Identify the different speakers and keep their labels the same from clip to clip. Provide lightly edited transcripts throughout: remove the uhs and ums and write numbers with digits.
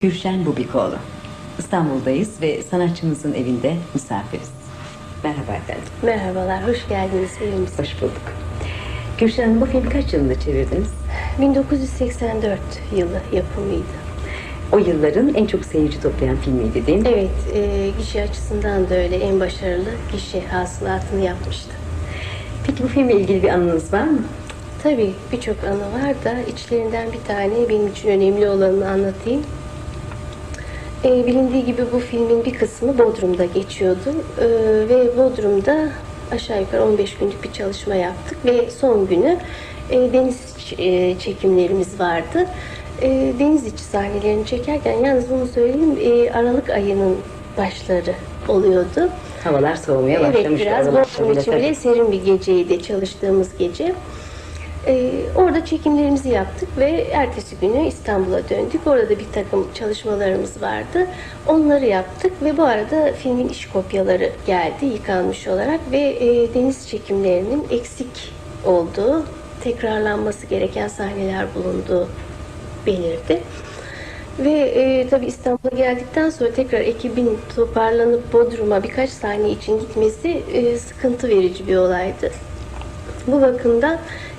Speaker 1: Gülşen Bubikoğlu. İstanbul'dayız ve sanatçımızın evinde misafiriz. Merhaba efendim.
Speaker 2: Merhabalar, hoş geldiniz evimize.
Speaker 1: Hoş bulduk. Gülşen Hanım, bu filmi kaç yılında çevirdiniz?
Speaker 2: 1984 yılı yapımıydı.
Speaker 1: O yılların en çok seyirci toplayan filmiydi değil mi?
Speaker 2: Evet, gişe açısından da öyle en başarılı gişe hasılatını yapmıştı.
Speaker 1: Peki bu filmle ilgili bir anınız var mı?
Speaker 2: Tabii birçok anı var da içlerinden bir tane benim için önemli olanını anlatayım. Bilindiği gibi bu filmin bir kısmı Bodrum'da geçiyordu ve Bodrum'da aşağı yukarı 15 günlük bir çalışma yaptık ve son günü deniz çekimlerimiz vardı. Deniz içi sahnelerini çekerken, yalnız bunu söyleyeyim, Aralık ayının başları oluyordu.
Speaker 1: Havalar soğumaya
Speaker 2: Evet,
Speaker 1: başlamıştı.
Speaker 2: biraz Bodrum için bile serin bir geceydi, çalıştığımız gece. Orada çekimlerimizi yaptık ve ertesi günü İstanbul'a döndük. Orada bir takım çalışmalarımız vardı. Onları yaptık ve bu arada filmin iş kopyaları geldi yıkanmış olarak ve deniz çekimlerinin eksik olduğu, tekrarlanması gereken sahneler bulunduğu belirdi. Ve tabii İstanbul'a geldikten sonra tekrar ekibin toparlanıp Bodrum'a birkaç sahne için gitmesi sıkıntı verici bir olaydı. Bu bakımdan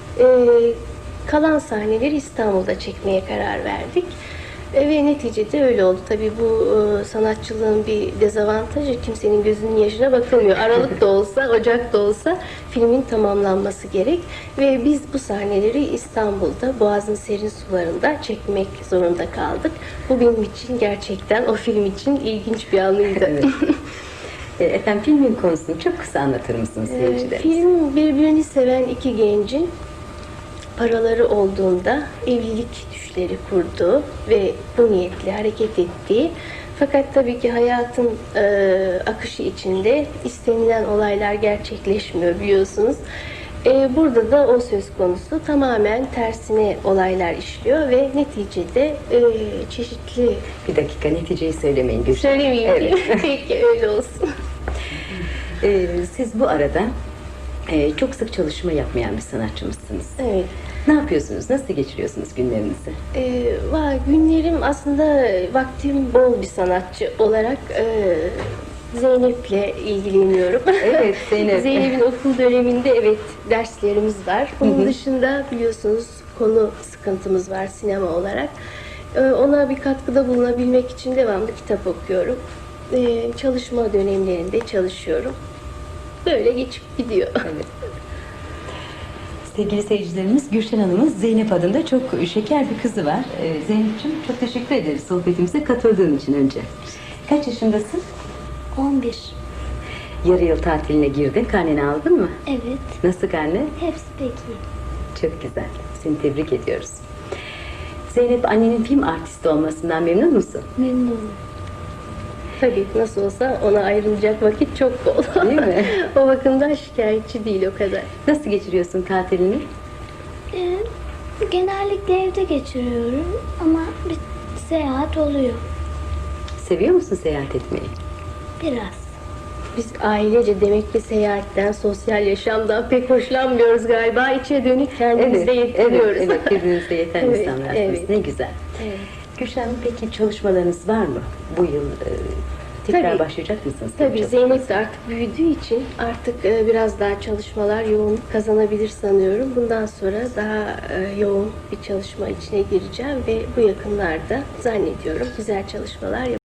Speaker 2: kalan sahneleri İstanbul'da çekmeye karar verdik. Ve neticede öyle oldu. Tabii bu sanatçılığın bir dezavantajı, kimsenin gözünün yaşına bakılmıyor. Aralık da olsa, Ocak da olsa filmin tamamlanması gerek. Ve biz bu sahneleri İstanbul'da, Boğaz'ın serin sularında çekmek zorunda kaldık. Bu benim için gerçekten o film için ilginç bir anıydı.
Speaker 1: Evet. Efendim, filmin konusunu çok kısa anlatır mısınız seyircilerimize?
Speaker 2: Film birbirini seven iki gencin paraları olduğunda evlilik düşleri kurduğu ve bu niyetle hareket ettiği, fakat tabii ki hayatın akışı içinde istenilen olaylar gerçekleşmiyor, biliyorsunuz. Burada da o söz konusu, tamamen tersine olaylar işliyor ve neticede çeşitli...
Speaker 1: Bir dakika, neticeyi söylemeyin Gülşen.
Speaker 2: Söylemeyeyim.
Speaker 1: Evet.
Speaker 2: Peki, öyle olsun.
Speaker 1: Siz bu arada çok sık çalışma yapmayan bir sanatçımızsınız.
Speaker 2: Evet.
Speaker 1: Ne yapıyorsunuz? Nasıl geçiriyorsunuz günlerinizi?
Speaker 2: Günlerim aslında, vaktim bol bir sanatçı olarak Zeynep'le ilgileniyorum.
Speaker 1: Evet, Zeynep.
Speaker 2: Zeynep'in okul döneminde evet derslerimiz var. Bunun dışında biliyorsunuz konu sıkıntımız var sinema olarak. Ona bir katkıda bulunabilmek için devamlı kitap okuyorum. Çalışma dönemlerinde çalışıyorum. Böyle geçip gidiyor.
Speaker 1: Evet. Sevgili seyircilerimiz, Gülşen Hanım'ın Zeynep adında çok şeker bir kızı var. Zeynep'ciğim, çok teşekkür ederiz sohbetimize katıldığın için önce. Kaç yaşındasın?
Speaker 3: 11.
Speaker 1: Yarı yıl tatiline girdin. Karneni aldın mı?
Speaker 3: Evet.
Speaker 1: Nasıl karne?
Speaker 3: Hepsi peki.
Speaker 1: Çok güzel. Seni tebrik ediyoruz. Zeynep, annenin film artisti olmasından memnun musun?
Speaker 3: Memnunum.
Speaker 2: Tabii nasıl olsa ona ayrılacak vakit çok bol.
Speaker 1: Değil mi?
Speaker 2: O bakımdan şikayetçi değil o kadar.
Speaker 1: Nasıl geçiriyorsun tatilini?
Speaker 3: Genellikle evde geçiriyorum ama bir seyahat oluyor.
Speaker 1: Seviyor musun seyahat etmeyi?
Speaker 3: Biraz.
Speaker 2: Biz ailece demek ki seyahatten, sosyal yaşamdan pek hoşlanmıyoruz galiba. İçe dönük kendimizde yetiniyoruz.
Speaker 1: Evet, birbirinize yeten
Speaker 2: Evet,
Speaker 1: insanlarsınız.
Speaker 2: evet.
Speaker 1: Ne güzel.
Speaker 2: Evet.
Speaker 1: Gülşen Hanım, peki çalışmalarınız var mı? Bu yıl tekrar
Speaker 2: Tabii.
Speaker 1: başlayacak mısınız?
Speaker 2: Tabii Zeynep de artık büyüdüğü için artık biraz daha çalışmalar yoğunluk kazanabilir sanıyorum. Bundan sonra daha yoğun bir çalışma içine gireceğim ve bu yakınlarda zannediyorum güzel çalışmalar yapacağım.